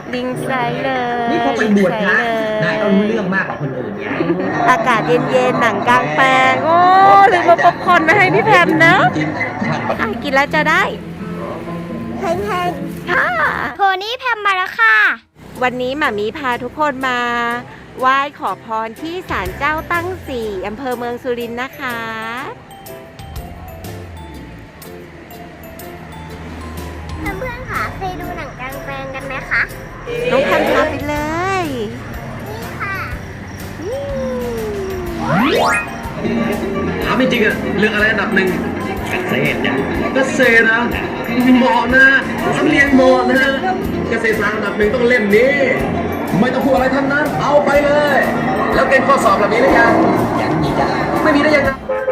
ลิงไซเลยนี่เขาไปบวชพระนายต้องรู้เรื่องมากกว่าคนอื่นไงอากาศเย็นๆหนังกลางแปลงโอ้ลืมมาป๊อปคอร์นมาให้พี่แพมนะกินแล้วจะได้เฮ้งๆค่ะโพนี่แพมมาแล้วค่ะวันนี้หม่ามีพาทุกคนมาไหว้ขอพรที่ศาลเจ้าตั้งสี่อำเภอเมืองสุรินทร์นะคะเพื่อนๆค่ะเคยดูหนังกลางแปลงกันไหมคะน้องแพมพาไปเลยนี่ค่ะถามจริงๆอะเรื่องอะไรอันดับหนึ่งเกษตรเนี่ยเกษตรนะเหมาะนะสำเนียงเหมาะนะเกษตรศาสตร์อันดับหนึ่งต้องเล่มนี้ ไม่ต้องพูดอะไรทั้งนั้น เอาไปเลย แล้วเกณฑ์ข้อสอบแบบนี้หรือยังยังมีจ้ะไม่มีได้ยังไง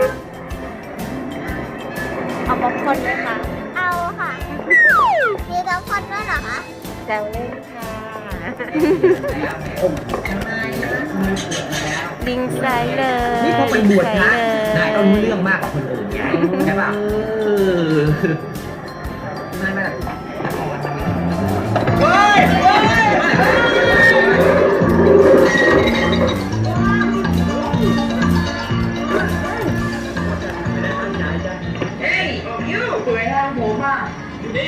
เอาป๊อปคอร์นไหมคะเอาค่ะ มีบางคนด้วยเหรอคะแซวเล่นค่ะลิงไซเลยนี่เขาไปบวชพระนายต้องรู้เรื่องมากกว่าคนอื่นไงใช่ป่ะนายไม่ได้เฮ้ยยูสวยงามผมอ่ะนี่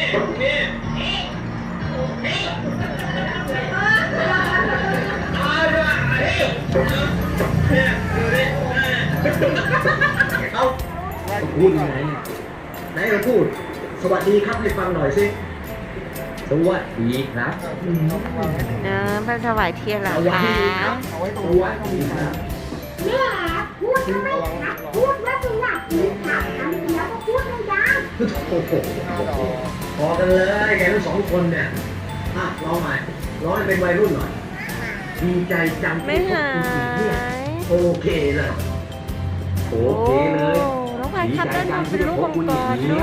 เอาพูดยังไงไหนเราพูดสวัสดีครับให้ฟังหน่อยสิสวัสดีครับเนอะไปถวายเทียนเหรอคะสวัสดีครับแม่พูดก็ไม่ชัดพูดว่าสวัสดีค่ะคำเดียวก็พูดไม่ได้โอ้โหพอกันเลยแกทั้งสองคนเนี่ยร้องใหม่ร้องให้เป็นวัยรุ่นหน่อยดีใจจังไม่ที่พบหาคุณอีกเนี่ยยโอเคเลยโอเคเลยน้องพายครับด้านบนเป็นลูกมังกรด้วย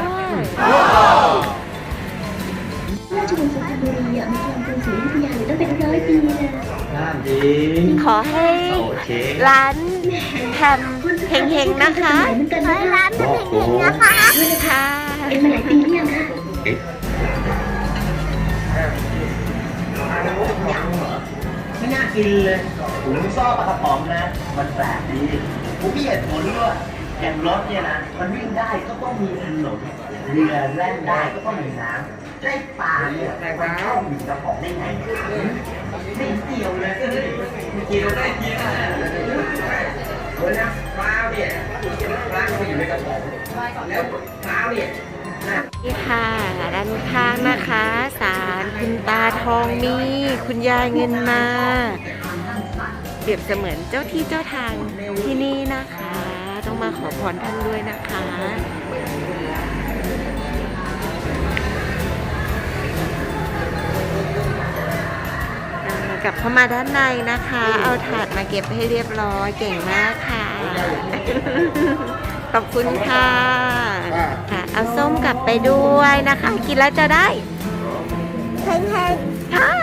ราชวงศ์สุพรรณบุรีมีความเป็นศรีอยุธยาอยู่ตั้งเป็น100 ปีเลยน่าดีขอให้โอเคร้านแพมเฮงๆนะคะเหมือนกันเฮ้นะยร้านเป็นเพ่งๆนะคะค่ะเป็นมาหลายปีหรือยังคะไม่น่ากินเลยผมชอบปลากระป๋องนะ มันแปลกดีผมมีเหตุผลด้วยอย่างรถเนี่ยนะ มันวิ่งได้ก็ต้องมีถนนเรือแล่นได้ก็ต้องมีน้ำได้ปลาเนี่ยมันเข้าอยู่กระป๋องได้ไงไม่เกี่ยวเลยเกี่ยวได้ทีนะเฮ้ยนะปลาเนี่ยปลาก็อยู่ในกระป๋องแล้วปลาเนี่ยนี่ค่ะด้านข้างนะคะศาลคุณตาทองมีคุณยายเงินมาเปรียบเสมือนเจ้าที่เจ้าทางที่นี่นะคะ ต้องมาขอพรท่านด้วยนะคะกลับเข้ามาด้านในนะคะ เอาถาดมาเก็บให้เรียบร้อยเก่งมากค่ะ ขอบคุณค่ะค่ะ เอาส้มกลับไปด้วยนะคะ กินแล้วจะได้เฮ้งๆค่ะ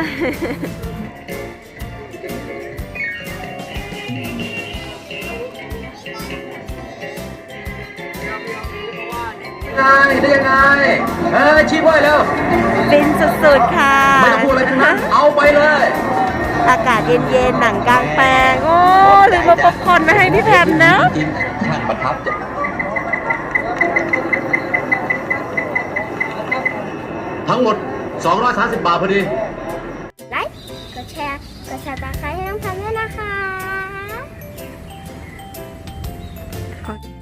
ได้ยังไงชี้ไว้แล้วเป็นสุดๆค่ะไม่ต้องพูดอะไรทั้งนั้นเอาไปเลยอากาศเย็นๆหนังกลางแปลงโอ้ลืมมาป๊อปคอร์นมาให้พี่แพมนะท่านประทับใจ ทั้งหมด 230 บาทพอดีไลค์กดแชร์กดซับสไครต์ให้น้องแพมด้วยนะคะ